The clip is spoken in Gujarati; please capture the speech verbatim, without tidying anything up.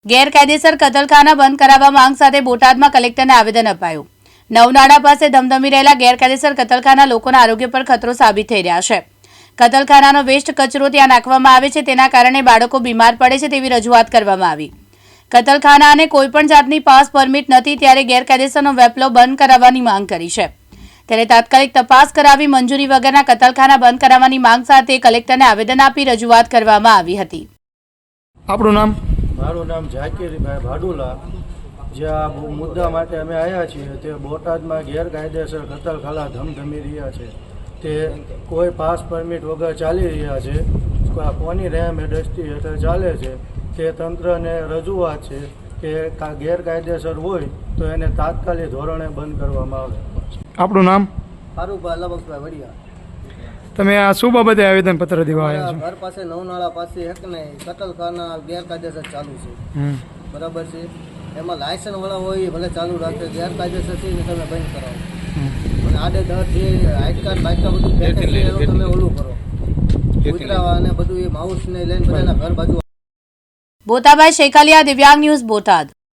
ગેરકાયદેસર કતલખાના બંધ કરાવવા માંગ સાથે બોટાદમાં કલેક્ટરને આવેદન અપાયું। નવનાડા પાસે ધમધમી રહેલા ગેરકાયદેસર કતલખાના લોકોના આરોગ્ય પર ખતરો સાબિત થઈ રહ્યા છે। કતલખાનાનો વેસ્ટ કચરો ત્યાં નાખવામાં આવે છે, તેના કારણે બાળકો બીમાર પડે છે તેવી રજૂઆત કરવામાં આવી। કતલખાનાને કોઈપણ જાતની પાસ પરમિટ નથી, ત્યારે ગેરકાયદેસરનો વેપલો બંધ કરાવવાની માંગ કરી છે। ત્યારે તાત્કાલિક તપાસ કરાવી મંજૂરી વગરના કતલખાના બંધ કરાવવાની માંગ સાથે કલેક્ટરને આવેદન આપી રજૂઆત કરવામાં આવી હતી। આપણું નામ? મારું નામ ઝાકીરભાઈ ભાડુલા। જે આ મુદ્દા માટે અમે આવ્યા છીએ તે બોટાદમાં ગેરકાયદેસર કતલખાના ધમધમી રહ્યા છે, તે કોઈ પાસ પરમિટ વગર ચાલી રહ્યા છે, કોની રહેમ દ્રષ્ટિ હેઠળ ચાલે છે, તે તંત્રને રજૂઆત છે કે ગેરકાયદેસર હોય તો એને તાત્કાલિક ધોરણે બંધ કરવામાં આવે। આપણું નામ? ફારૂકભાઈ અલ્લાબક્ષભાઈ વડિયા। તમે આ શું બાબતે આવેદન પત્ર દેવા આવ્યા છો? ઘર પાસે નવનાળા પાસે એક ને કતલખાના ગેરકાયદેસર ચાલુ છે, બરાબર છે। એમાં લાયસન્સ વાળા હોય એ ભલે ચાલુ રાખે, ગેરકાયદેસર છે ને તમે બંધ કરાવો અને આડે દર જે આઈ કાર્ડ બાઇકા બધું ફેંકે છે એનું તમે ઓલું કરો, કૂતરા અને બધું એ માઉસ ને લઈને બધાના ઘર બાજુ। બોતાભાઈ શેખાલિયા, દિવ્યાંગ ન્યૂઝ, બોટાદ।